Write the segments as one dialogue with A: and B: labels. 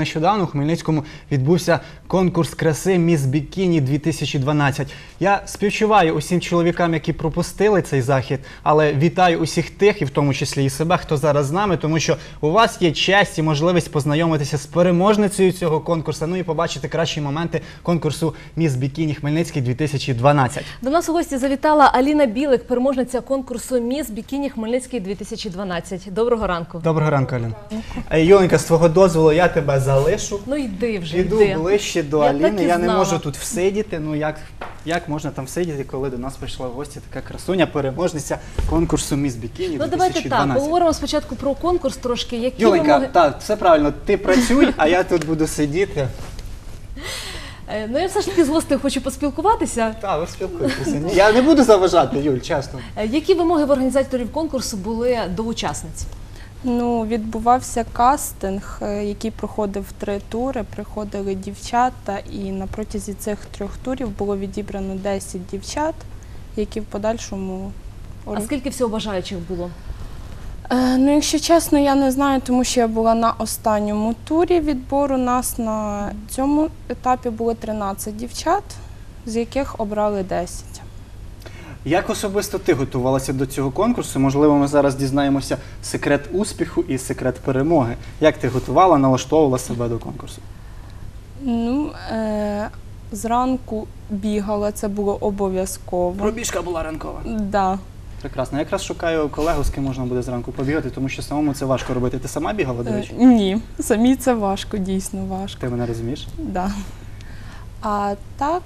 A: нещодавно у Хмельницькому відбувся конкурс краси «Міс Бікіні-2012». Я співчуваю усім чоловікам, які пропустили цей захід, але вітаю усіх тих, і в тому числі і себе, хто зараз з нами, тому що у вас є честь і можливість познайомитися з переможницею цього конкурсу, ну і побачити кращі моменти конкурсу «Міс Бікіні-Хмельницький-2012».
B: До нас у гості завітала Аліна Білик, переможниця конкурсу «Міс Бікіні-Хмельницький-2012». Доброго ранку.
A: Доброго ранку, Аліна. Юленька, з твого дозволу я тебе залишу.
B: Ну йди вже,
A: Іду
B: йди.
A: ближче до
B: Я
A: Аліни.
B: так і
A: Я не
B: знала.
A: можу тут всидіти. Ну як можна там всидіти, коли до нас прийшла в гості така красуня, переможниця конкурсу «Міс Бікіні-2012».
B: Ну давайте так, поговоримо спочатку про конкурс трошки. Які
A: Юленька,
B: вимоги...
A: так, все правильно, ти працюй, а я тут буду сидіти.
B: Ну я все ж таки з гостею хочу поспілкуватися.
A: Так, ви спілкуйтеся. Я не буду заважати, Юль, чесно.
B: Які вимоги в організаторів конкурсу були до учасниць?
C: Ну, відбувався кастинг, який проходив 3 тури, приходили дівчата, і на протязі цих 3 турів було відібрано 10 дівчат, які в подальшому...
B: А скільки всього бажаючих було?
C: Ну, якщо чесно, я не знаю, тому що я була на останньому турі відбору. Нас на цьому етапі було 13 дівчат, з яких обрали 10.
A: Як особисто ти готувалася до цього конкурсу? Можливо, ми зараз дізнаємося секрет успіху і секрет перемоги. Як ти готувала, налаштовувала себе до конкурсу?
C: Ну, зранку бігала, це було обов'язково.
A: Пробіжка була ранкова.
C: Да.
A: Прекрасно. Я якраз шукаю колегу, з ким можна буде зранку побігати, тому що самому це важко робити. Ти сама бігала, до речі?
C: Ні, самі це важко, дійсно важко.
A: Ти мене розумієш?
C: Да. А так,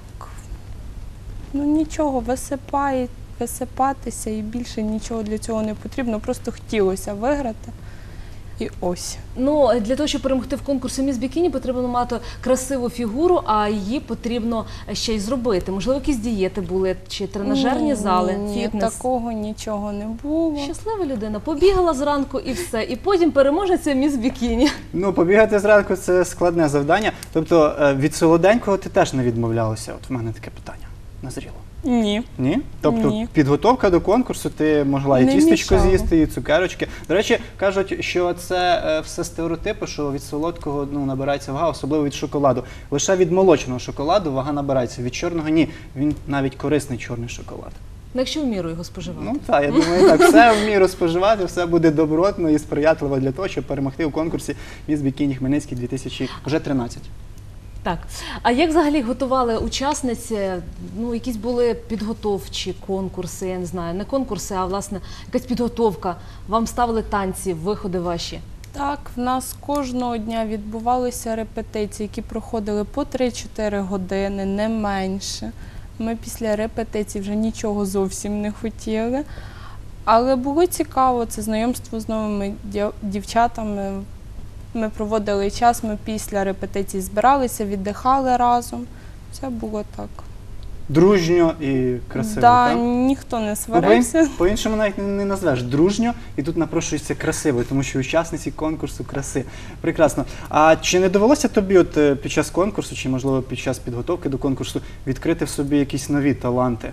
C: ну нічого, висипатися і більше нічого для цього не потрібно, просто хотілося виграти. І ось.
B: Ну, для того, щоб перемогти в конкурсі «Міс Бікіні», потрібно мати красиву фігуру, а її потрібно ще й зробити. Можливо, якісь дієти були, чи тренажерні зали,
C: Ні,
B: фітнес?
C: такого нічого не було.
B: Щаслива людина, побігала зранку і все, і потім переможеться «Міс Бікіні».
A: Ну, побігати зранку – це складне завдання. Тобто від солоденького ти теж не відмовлялася? От в мене таке питання назріло.
C: Ні.
A: Ні? Тобто
C: Ні.
A: підготовка до конкурсу, ти могла і
C: Не
A: тістечко
C: мішала.
A: з'їсти, і цукерочки. До речі, кажуть, що це все стереотипи, що від солодкого набирається вага, особливо від шоколаду. Лише від молочного шоколаду вага набирається, від чорного – ні. Він навіть корисний, чорний шоколад.
B: Ну, якщо в міру його споживати.
A: Ну так, я думаю, так, все в міру споживати, все буде добротно і сприятливо для того, щоб перемогти у конкурсі «Міс Бікіні-Хмельницький 2013».
B: Так. А як взагалі готували учасниці? Ну, якісь були підготовчі конкурси, я не знаю, не конкурси, а, власне, якась підготовка. Вам ставили танці, виходи ваші?
C: Так, в нас кожного дня відбувалися репетиції, які проходили по 3-4 години, не менше. Ми після репетицій вже нічого зовсім не хотіли. Але було цікаво, це знайомство з новими дівчатами. Ми проводили час, ми після репетицій збиралися, віддихали разом. Все було так.
A: Дружньо і красиво,
C: Так,
A: так?
C: ніхто не сварився.
A: По-іншому навіть не назвеш. Дружньо, і тут напрошується красиво, тому що учасниці конкурсу краси. Прекрасно. А чи не довелося тобі от під час конкурсу, чи, можливо, під час підготовки до конкурсу відкрити в собі якісь нові таланти?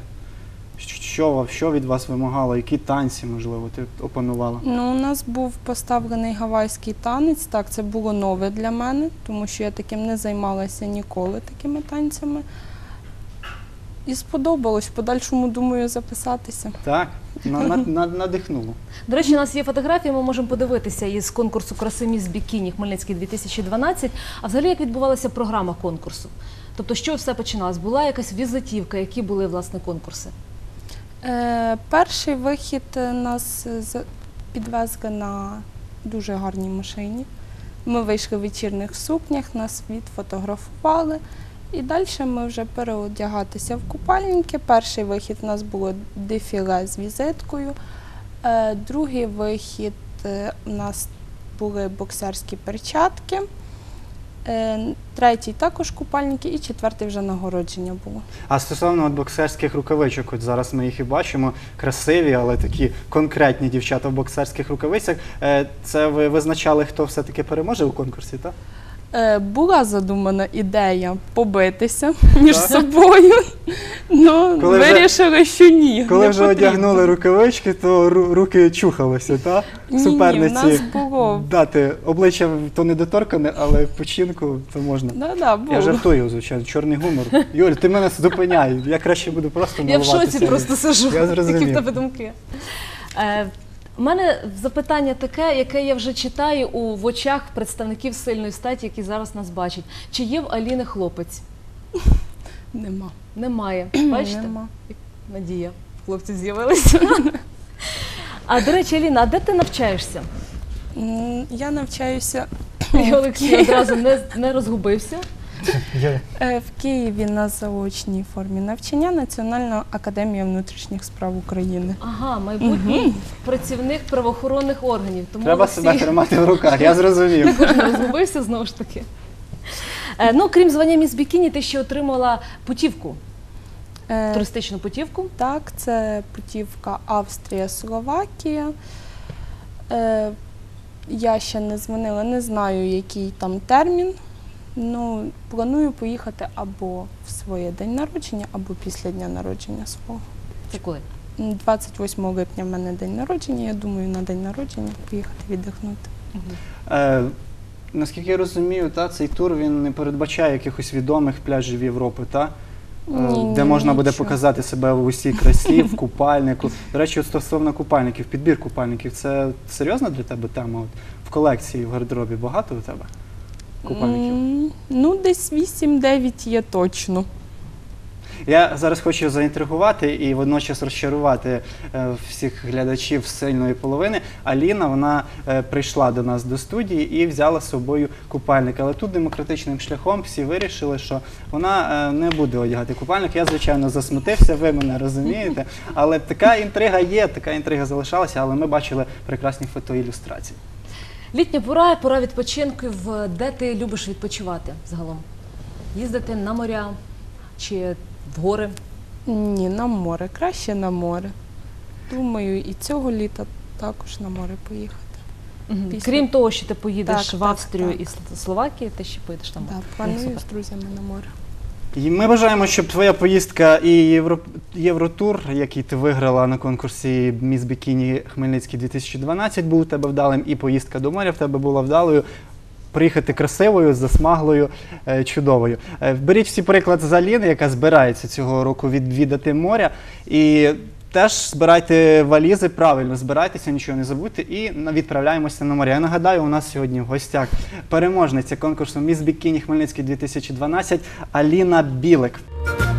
A: Що від вас вимагало? Які танці, можливо, ти опанувала?
C: Ну, у нас був поставлений гавайський танець. Так, це було нове для мене, тому що я таким не займалася ніколи, такими танцями. І сподобалось. В подальшому, думаю, записатися.
A: Так, надихнуло.
B: До речі, у нас є фотографії, ми можемо подивитися із конкурсу краси «Міс Бікіні-Хмельницький-2012». А взагалі, як відбувалася програма конкурсу? Тобто, що все починалось? Була якась візитівка, які були, власне, конкурси?
C: Перший вихід нас підвезли на дуже гарній машині. Ми вийшли в вечірніх сукнях, нас відфотографували. І далі ми вже переодягатися в купальники. Перший вихід у нас було дефіле з візиткою. Другий вихід у нас були боксерські перчатки. Третій також купальники і четвертий вже нагородження було.
A: А стосовно боксерських рукавичок, от зараз ми їх і бачимо, красиві, але такі конкретні дівчата в боксерських рукавицях. Це ви визначали, хто все-таки переможе у конкурсі, так?
C: Була задумана ідея побитися між собою, але
A: Коли вже-
C: вирішили, що ні.
A: Коли
C: не
A: вже
C: потрібно.
A: одягнули рукавички, то руки чухалися, так?
C: Ні, в нас було.
A: Дати обличчя то недоторкане, але в починку то можна.
C: Да, було.
A: Я жартую, звичайно, чорний гумор. Юль, ти мене зупиняй, я краще буду просто
B: Я в
A: милуватися.
B: шоці просто сижу.
A: Я зрозумів.
B: Які в тебе думки? У мене запитання таке, яке я вже читаю в очах представників сильної статі, які зараз нас бачать. Чи є в Аліни хлопець?
C: Нема.
B: Немає. Бачите?
C: Нема.
B: Надія, хлопці з'явилися. А до речі, Аліна, а де ти навчаєшся?
C: Я навчаюся
B: І Олексій одразу не розгубився.
C: в Києві на заочній формі навчання Національна академія внутрішніх справ України.
B: Ага, майбутній працівник правоохоронних органів. Тому
A: Треба
B: Олексій
A: себе тримати в руках, я зрозумів.
B: не розгубився знову ж таки. Ну, крім звання міс Бікіні, ти ще отримала путівку, туристичну путівку.
C: Так, це путівка Австрія-Словакія. Я ще не дзвонила, не знаю, який там термін. Ну, планую поїхати або в своє день народження, або після дня народження свого.
B: Це коли?
C: 28 липня в мене день народження. Я думаю, на день народження поїхати віддихнути.
A: Наскільки я розумію, цей тур він не передбачає якихось відомих пляжів Європи,
C: Ні,
A: де можна буде
C: нічого.
A: показати себе в усій красі, в купальнику. До речі, от стосовно купальників, підбір купальників, це серйозна для тебе тема? От в колекції, в гардеробі багато у тебе купальників?
C: Ну, десь 8-9 є точно.
A: Я зараз хочу заінтригувати і водночас розчарувати всіх глядачів сильної половини. Аліна, вона прийшла до нас до студії і взяла з собою купальник. Але тут демократичним шляхом всі вирішили, що вона не буде одягати купальник. Я, звичайно, засмутився, ви мене розумієте. Але така інтрига є, така інтрига залишалася, але ми бачили прекрасні фотоілюстрації.
B: Літня пора відпочинків. Де ти любиш відпочивати загалом? Їздити на моря чи в гори?
C: Ні, на море. Краще на море. Думаю, і цього літа також на море поїхати. Після-
B: Крім того, що ти поїдеш
C: Так,
B: в Австрію
C: так.
B: і Словакію, ти ще поїдеш там.
C: Так,
B: Ну,
C: планую
B: супер.
C: з друзями на море.
A: І ми бажаємо, щоб твоя поїздка і Євротур, який ти виграла на конкурсі «Міс Бікіні Хмельницький 2012», був у тебе вдалим, і поїздка до моря в тебе була вдалою. Приїхати красивою, засмаглою, чудовою. Беріть всі приклад з Аліни, яка збирається цього року відвідати моря. І теж збирайте валізи, правильно збирайтеся, нічого не забудьте і відправляємося на море. Я нагадаю, у нас сьогодні в гостях переможниця конкурсу «Міс Бікіні Хмельницький 2012» Аліна Білик.